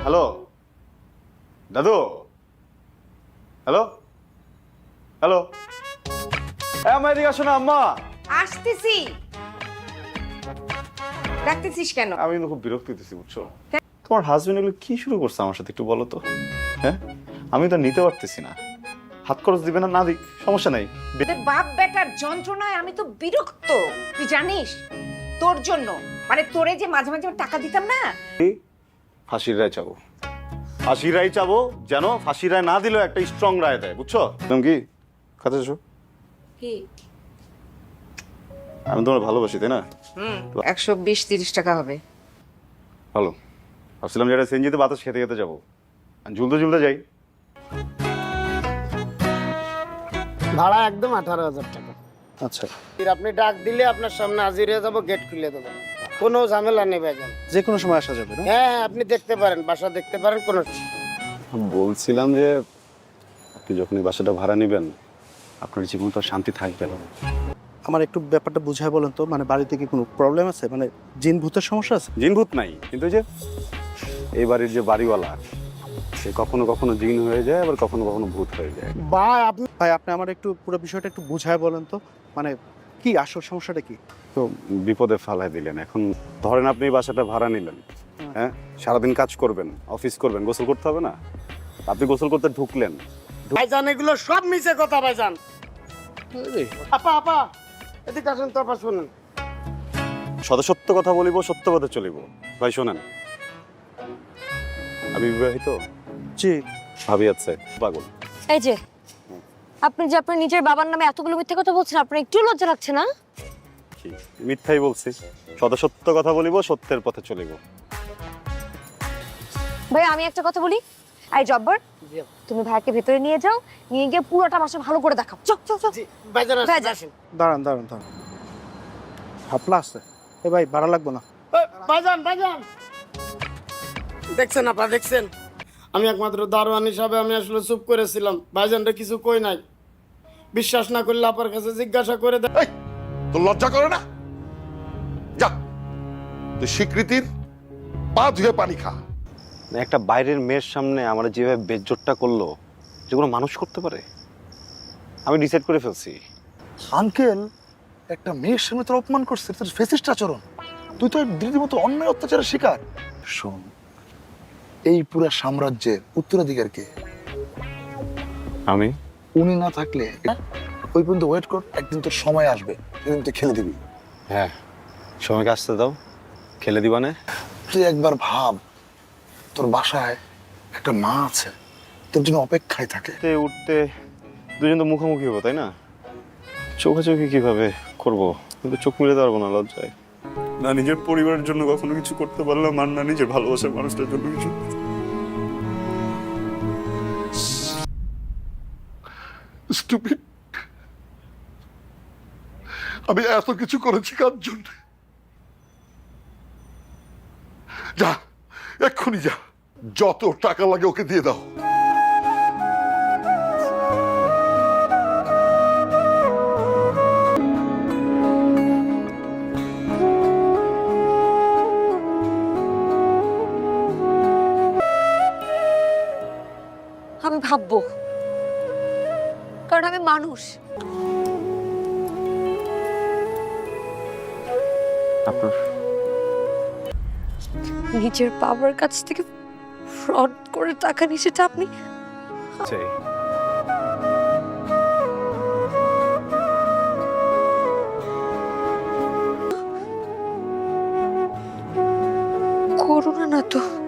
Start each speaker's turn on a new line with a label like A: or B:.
A: Hello দাদু, hello hello, আমার এদিকে আসো না আম্মা।
B: আসতেছি। ডাকতেছিস কেন?
A: আমি কিন্তু খুব বিরক্ত হইতেছি বুঝছো। তোমার হাজবেন্ড এগুলো কি শুরু করছে আমার সাথে একটু বলো তো। হ্যাঁ, আমি তো নিতে পারতেছি না। হাত খরচ দিবে না, না দিক সমস্যা নাই।
B: তোদের বাপ বেটার যন্ত্রণায় আমি তো বিরক্ত, তুই জানিস। তোর জন্য মানে তোরে যে মাঝে মাঝে আমি টাকা দিতাম না।
A: ফাঁসির রায় চাবো, ফাঁসির রায় চাবো, যেন ফাঁসির রায় না দিলেও একটা স্ট্রং রায় দেয় বুঝছো। তুমি কি খাতে এসো?
B: কি?
A: আমি তোমার ভালোবাসি তাই না?
B: 120-30 টাকা হবে।
A: ভালো, ভাবছিলাম যেটা সেনজিতে বাতাস খেতে খেতে যাবো, ঝুলতে ঝুলতে যাই।
C: ভাড়া একদম 18,000 টাকা।
A: আচ্ছা,
C: আপনি ডাক দিলে আপনার সামনে হাজির হয়ে যাবো, গেট খুলে দেবো, কোনো ঝামেলা নেই ভাইজান।
A: যে কোনো সময় আসা যাবে না?
C: হ্যাঁ, আপনি দেখতে পারেন, বাসা দেখতে পারেন, কোনো
A: বলছিলাম যে আপনি যখন এই বাসাটা ভাড়া নেবেন আপনার জীবন তো আর শান্তি থাকবে না।
D: আমার একটু ব্যাপারটা বুঝায় বলেন তো, মানে বাড়িতে কি কোনো প্রবলেম আছে, মানে জিন ভূতের সমস্যা আছে?
A: জিনভূত নাই, কিন্তু যে এই বাড়ির যে বাড়িওয়ালা সে কখনো কখনো জিন হয়ে যায়, আবার কখনো কখনো ভূত হয়ে যায়।
D: ভাই আপনি আমার একটু পুরো বিষয়টা একটু বুঝায় বলেন তো, মানে কি আসল সমস্যাটা কি?
A: তো বিপদে ফালাই দিলেন। এখন ধরেন আপনি এই বাসাটা ভাড়া নিলেন, হ্যাঁ, সারাদিন কাজ করবেন, অফিস করবেন, গোসল করতে হবে না? আপনি গোসল করতে ঢুকলেন,
C: ভাইজান এগুলো সব মিছে কথা ভাইজান। আপা আপা এদিকে আসেন তো, আপা শুনুন।
A: সত্য কথা বলিব, সত্য কথা চলিব। ভাই শোনেন, আমি বিবাহিত,
D: জি।
A: ভাবি আছে পাগল।
E: এই যে আপনি যে আপনার নিজের বাবার নামে এতগুলো মিথ্যে কথা বলছেন, আপনার একটু লজ্জা লাগছে না?
A: কি মিথ্যাই বলছি? সত্য কথা বলিব, সত্যের পথে চলিব।
E: ভাই আমি একটা কথা বলি, এই জব্বর তুমি ভাইকে ভেতরে নিয়ে যাও, নিয়ে গিয়ে পুরোটা বাসা ভালো করে দেখাও। চল চল চল।
C: ভাইজান
E: ভাইজান।
C: আসেন।
D: দাঁড়ান দাঁড়ান দাঁড়ান, হাপলা আছে। এ ভাই ভাড়া লাগবে না।
C: ভাইজান ভাইজান দেখছেন আপা, দেখছেন? আমি একমাত্র দারোয়ান হিসাবে আমি আসলে চুপ করেছিলাম, ভাইজানটা কিছু কই নাই। বিশ্বাস না করলে আপার কাছে জিজ্ঞাসা করে দেখ।
F: এই, তোর লজ্জা করে না? যা, তুই স্বীকৃতির পা ধুয়ে পানি খা।
A: একটা বাইরের মেয়ের সামনে আমার যেভাবে বেজ্জতটা করলো, যেগুলো মানুষ করতে পারে, আমি ডিসাইড করে ফেলছি।
G: আঙ্কেল একটা মেয়ের সামনে তোর অপমান করছে, তোর ফেসিস্ট আচরণ। তুই তো দিদির মতো অন্যায় অত্যাচারের শিকার। শোন, এই পুরো সাম্রাজ্যের উত্তরাধিকার কে?
A: আমি
G: উনি না থাকলে ওই পর্যন্ত ওয়েট কর, একদিন তোর সময় আসবে, সেদিন তুই খেলে দিবি।
A: হ্যাঁ, সময়কে আসতে দাও, খেলে দিবানে।
G: তুই একবার ভাব, তোর বাসায় একটা মা আছে, তোর জন্য অপেক্ষায় থাকে।
A: উঠতে দুজন তো মুখোমুখি হবো তাই না? চোখাচোখি কিভাবে করবো? কিন্তু চোখ মিলে পারবো না লজ্জায়। না নিজের পরিবারের জন্য কখনো কিছু করতে পারলাম, আর না নিজের ভালোবাসার মানুষটার জন্য কিছু।
F: Stupid! আমি এত কিছু করেছি কার জন্য? যা, এক্ষুনি যা, যত টাকা লাগে ওকে দিয়ে দাও।
E: আমি ভাববো, কারণ আমি মানুষ।
A: আপনার
E: নিজের বাবার কাছ থেকে ফ্রড করে টাকা নিয়ে সেটা আপনি
A: চাই।
E: করোনা না তো?